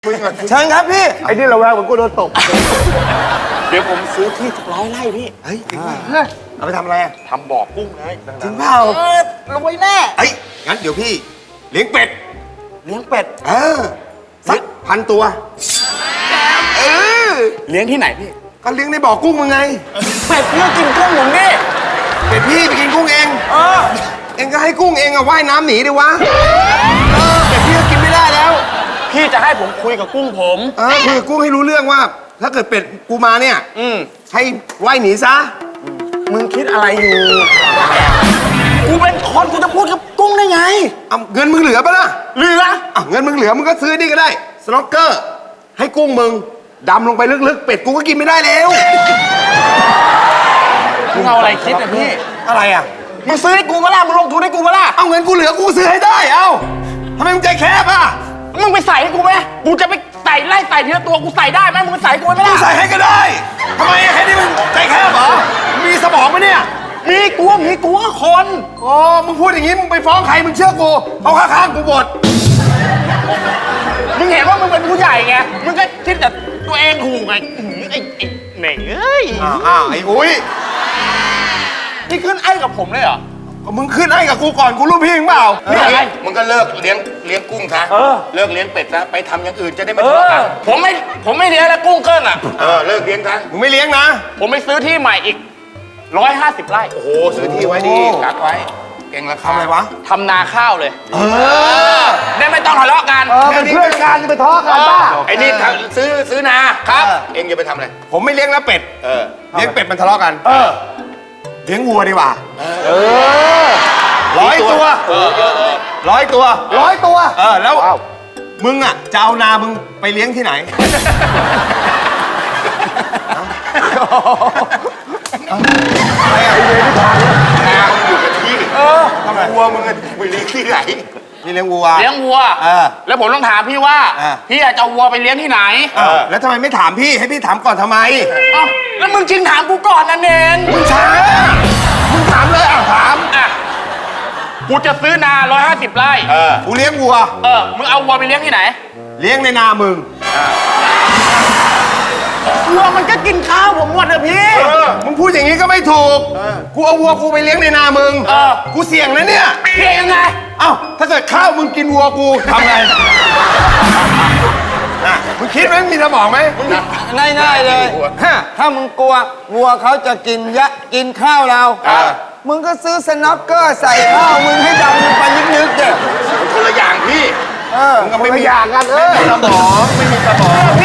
เชิญครับพี่ไอ้นี่เราแววเหมือนกูโดนตกเดี๋ยวผมซื้อที่สัก100 ไร่พี่เฮ้ยจริงป่ะเอาไปทำอะไรอ่ะทำบ่อกุ้งเลยจริงเปล่ารวยแน่เฮ้ยงั้นเดี๋ยวพี่เลี้ยงเป็ดเลี้ยงเป็ดสัก1,000 ตัวเออเลี้ยงที่ไหนพี่ก็เลี้ยงในบ่อกุ้งมึงไงเป็ดเพื่อกินกุ้งผมนี่เป็ดพี่ไปกินกุ้งเอง เองก็ให้กุ้งเองอะว่ายน้ำหนีดิวะเป็ดพี่ก็กินไม่ได้แล้วพี่จะให้ผมคุยกับกุ้งผมคุยกับกุ้งให้รู้เรื่องว่า ถ้าเกิดเป็ดกูมาเนี่ยให้ว่ายหนีซะมึงคิดอะไรอยู่ กูเป็นคนกูจะพูดกับกุ้งได้ไงเอาเงินมึงเหลือปะล่ะเหลือเงินมึงเหลือมึงก็ซื้อนี่ก็ได้สโนว์เกอร์ให้กุ้งมึงดำลงไปลึกๆเป็ดกูก็กินไม่ได้แล้วมึงเอาอะไรคิดอะพี่อะไรอ่ะมึงซื้อให้กูมาล่ะมึงลงทุนให้กูมาล่ะเอาเงินกูเหลือกูซื้อให้ได้เอ้าทำไมมึงใจแคบอ่ะมึงไปใส่ให้กูไหมกูจะไปใส่ไล่ใส่ทีละตัวกูใส่ได้ไหมมึงไปใส่ให้กูไหมกูล่ะใส่ให้ก็ได้ทำไมแค่นี้มึงใจแคบเหรอมีสมองไหมเนี่ยมีกูก็คนโอ้มึงพูดอย่างนี้มึงไปฟ้องใครมึงเชื่อกูเขาข้างๆกูหมดมึงเห็นว่ามึงเป็นผู้ใหญ่ไง มึงก็คิดแต่ตัวเองถูกไงไอ้เหน่งเอ้ยอ้าวไอ้อุ้ยนี่ขึ้นไอ้กับผมเลยเหรอก็มึงขึ้นให้กับกูก่อนกูรู้พี่มึงเปล่านี่อะไรมึงก็เลิกเลี้ยงกุ้งซะเลิกเลี้ยงเป็ดซะไปทำอย่างอื่นจะได้ไม่เอทะเลาะอกันผมไม่เลี้ยงแล้วกุ้งเกิ้งอ่ะเลิกเลี้ยงซะมึงไม่เลี้ยงนะผมไปซื้อที่ใหม่อีก150 ไร่โอ้โหซื้อที่ไว้ดีกักไว้เก่งราคาทำอะไรวะทำนาข้าวเลย ได้ไม่ต้องทะเลาะกันเป็นเพื่อนกันจะไปทะเลาะกันป้าไอ้นี่ซื้อนาเองจะไปทำอะไรผมไม่เลี้ยงแล้วเป็ดเลี้ยงเป็ดมันทะเลาะกันเลี้ยงวัวดีกว่า100 ตัว100 ตัว 100 ตัวแล้วมึงอ่ะจะเอานามึงไปเลี้ยงที่ไหนอะไรอ่ะนามึงอยู่กับที่วัวมึงไปเลี้ยงที่ไหนนี่เลี้ยงวัวเลี้ยงวัว แล้วผมต้องถามพี่ว่า พี่อยากจะเอาวัวไปเลี้ยงที่ไหนแล้วทำไมไม่ถามพี่ให้พี่ถามก่อนทำไมเอ้าแล้วมึงจริงถามกูก่อนนั่นเองมึงช้ามึงถามเลยถามอ่ะกูจะซื้อนา150 ไร่กูเลี้ยงวัวมึงเอาวัวไปเลี้ยงที่ไหนเลี้ยงในนามึงวัวมันก็กินข้าวผมหมดเลยพี่มึงพูดอย่างนี้ก็ไม่ถูกกูเอาวัวกูไปเลี้ยงในนามึง กูเสี่ยงนะเนี่ยพี่ยังไงเอ้าถ้าเกิดข้าวมึงกินวัวกูทำไงมึงคิดไหมมีสมองไหมง่ายๆเลยถ้ามึงกลัววัวเขาจะกินข้าวเรา มึงก็ซื้อสน็อกเกอร์ใส่ข้าวมึงให้ดำลงไปลึกๆเด็คนละอย่างพี่มึงก็ไม่มีอย่างกันไม่มีสมองไม่มีสมอง